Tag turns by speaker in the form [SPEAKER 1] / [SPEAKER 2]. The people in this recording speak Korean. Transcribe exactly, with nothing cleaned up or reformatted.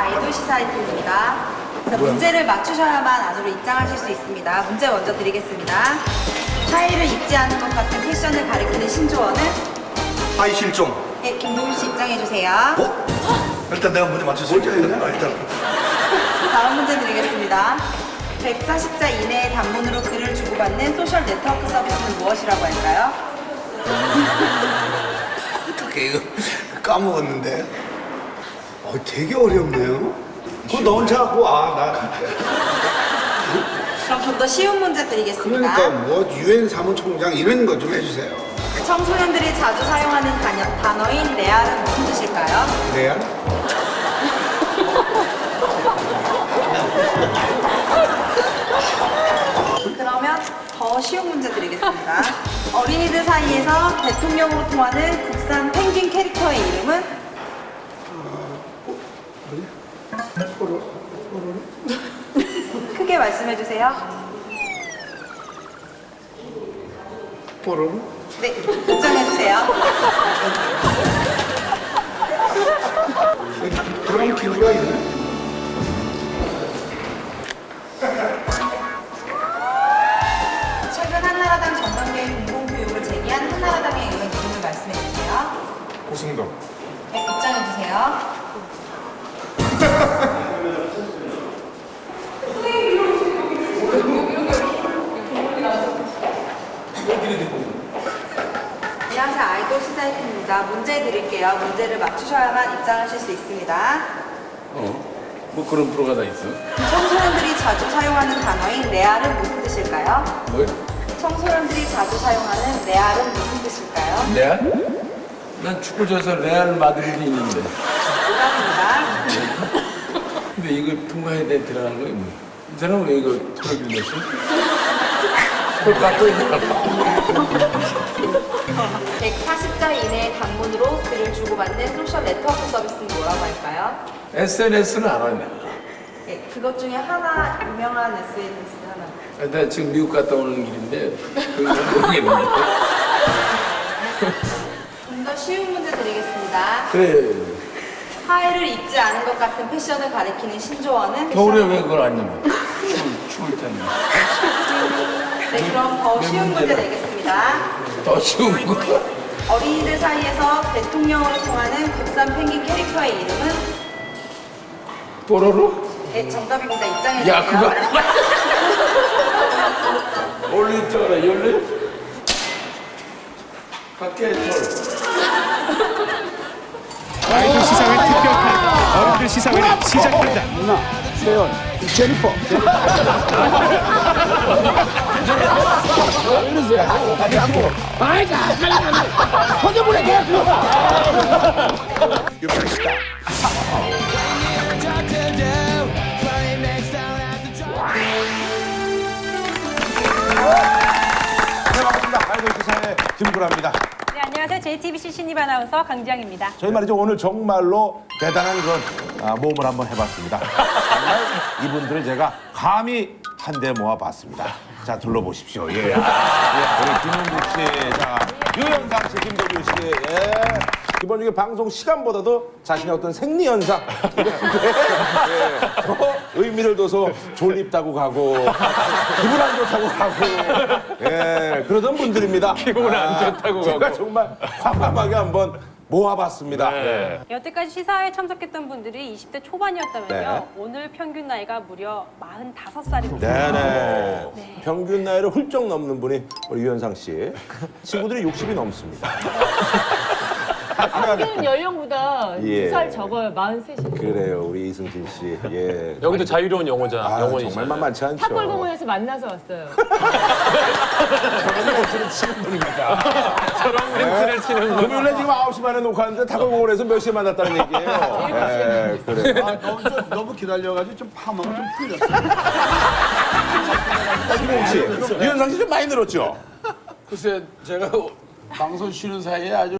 [SPEAKER 1] 아이돌 시사이트입니다. 자, 문제를 맞추셔야만 안으로 입장하실 수 있습니다. 문제 먼저 드리겠습니다. 타이를 입지 않은 것 같은 패션을 가리키는 신조어는?
[SPEAKER 2] 하이 실종.
[SPEAKER 1] 네, 김동윤 씨 입장해주세요.
[SPEAKER 2] 어? 일단 내가 문제 맞출 수 있겠다. 아, 일단.
[SPEAKER 1] 다음 문제 드리겠습니다. 백사십 자 이내의 단문으로 글을 주고받는 소셜 네트워크 서비스는 무엇이라고 할까요?
[SPEAKER 2] 어떻게 이거 까먹었는데. 어, 되게 어렵네요. 그거 너 혼자 하고 아, 나.
[SPEAKER 1] 그럼 좀 더 쉬운 문제 드리겠습니다.
[SPEAKER 3] 그러니까 뭐 유엔 사무총장 이런 거 좀 해주세요.
[SPEAKER 1] 청소년들이 자주 사용하는 단어, 단어인 레알은 무슨 뜻일까요?
[SPEAKER 3] 레알?
[SPEAKER 1] 그러면 더 쉬운 문제 드리겠습니다. 어린이들 사이에서 대통령으로 통하는 국산 펭귄 캐릭터의 이름은? 크게 말씀해 주세요.
[SPEAKER 3] 뽀로로?
[SPEAKER 1] 네, 입장해 주세요.
[SPEAKER 3] 그런 기구가 있네.
[SPEAKER 1] 최근 한나라당 전당대회 공공교육을 제기한 한나라당의 의원 이름을 말씀해 주세요.
[SPEAKER 3] 고승동.
[SPEAKER 1] 네, 입장해 주세요. 안녕하세요. 아이돌 시사이트입니다. 문제 드릴게요. 문제를 맞추셔야만 입장하실 수 있습니다.
[SPEAKER 4] 어? 뭐 그런 프로가 다 있어?
[SPEAKER 1] 청소년들이 자주 사용하는 단어인 레알은 무슨 뜻일까요?
[SPEAKER 4] 뭐?
[SPEAKER 1] 청소년들이 자주 사용하는 레알은 무슨 뜻일까요?
[SPEAKER 4] 레알? 난 축구 줘서 레알 마드리드 있는데.
[SPEAKER 1] 오답입니다.
[SPEAKER 4] 근데 이걸 통과해야 돼 들어가는 거야 뭐. 이 사람은 왜 이거 토를 빌렸어? 톨 깎고 있나
[SPEAKER 1] 백사십 자 이내의 단문으로 글을 주고받는 소셜 네트워크 서비스는 뭐라고 할까요?
[SPEAKER 4] 에스엔에스는 알아 내가.
[SPEAKER 1] 네, 그것 중에 하나 유명한 에스엔에스 하나.
[SPEAKER 4] 아, 나 지금 미국 갔다 오는 길인데 그건 모르겠는데.
[SPEAKER 1] 좀 더 쉬운 문제 드리겠습니다.
[SPEAKER 4] 그래.
[SPEAKER 1] 하의를 입지 않은 것 같은 패션을 가리키는 신조어는?
[SPEAKER 4] 겨울에 왜 그걸 안 입어? 추울, 추울 텐데.
[SPEAKER 1] 네, 그럼 더
[SPEAKER 4] 몇
[SPEAKER 1] 쉬운 문제
[SPEAKER 4] 문제나?
[SPEAKER 1] 내겠습니다.
[SPEAKER 4] 더 쉬운 거.
[SPEAKER 1] 어린이들 사이에서 대통령으로 통하는 국산 펭귄 캐릭터의 이름은?
[SPEAKER 4] 뽀로로?
[SPEAKER 1] 네, 정답입니다. 입장해주세요.
[SPEAKER 4] 야 그거. 올리 쪽으로 열리? 밖에 털.
[SPEAKER 5] 아이돌 시사회 특별판 어른들 시사회는 시작합니다.
[SPEAKER 3] 누나, 세연, 제니퍼. 왜 이러세요? 아니, 하고. 아이, 자, 터져보내, 계속. 유명시다. 네, 반갑습니다. 아이돌 시사회 김구라입니다.
[SPEAKER 6] 네, 안녕하세요. 제이티비씨 신입 아나운서 강지영입니다.
[SPEAKER 3] 저희 말이죠. 오늘 정말로 대단한 그런 아, 모험을 한번 해봤습니다. 정말 이분들을 제가 감히 한데 모아봤습니다. 자, 둘러보십시오. 예. 예. 우리 김현국 씨, 자, 유현상 씨, 김도규 씨, 예. 기본적인 방송 시간보다도 자신의 어떤 생리현상, 이런 데, 예. 더 의미를 둬서 졸립다고 가고, 기분 안 좋다고 가고, 예. 그러던 분들입니다.
[SPEAKER 4] 기분 안 좋다고
[SPEAKER 3] 제가
[SPEAKER 4] 가고.
[SPEAKER 3] 정말 과감하게 한번 모아봤습니다. 네.
[SPEAKER 6] 여태까지 시사회에 참석했던 분들이 이십 대 초반이었다면요.
[SPEAKER 3] 네.
[SPEAKER 6] 오늘 평균 나이가 무려 마흔다섯 살입니다.
[SPEAKER 3] 네네.
[SPEAKER 6] 네.
[SPEAKER 3] 평균 나이를 훌쩍 넘는 분이 우리 유현상 씨. 친구들이 육십이 넘습니다.
[SPEAKER 7] 평균 연령보다
[SPEAKER 3] 예.
[SPEAKER 7] 두 살 적어요. 마흔셋이.
[SPEAKER 3] 그래요, 우리 이승진 씨. 예.
[SPEAKER 8] 여기도 자유로운 영어자,
[SPEAKER 3] 아,
[SPEAKER 8] 영어이죠.
[SPEAKER 3] 정말 만만치 않죠.
[SPEAKER 7] 탑골공원에서 만나서 왔어요.
[SPEAKER 3] 저런 멘트를 치는 분입니다.
[SPEAKER 8] 저런 멘트를 치는 거.
[SPEAKER 3] 금요일에 지금 아홉 시 반에 녹화하는데 타골공원에서 몇 시에 만났다는 얘기예요. 예, 그래요.
[SPEAKER 9] 아, 너무, 좀, 너무 기다려가지고 좀 파마가 좀 풀렸어요.
[SPEAKER 3] 김홍 씨, 유현상 씨 좀 많이 늘었죠?
[SPEAKER 4] 글쎄 제가 방송 쉬는 사이에 아주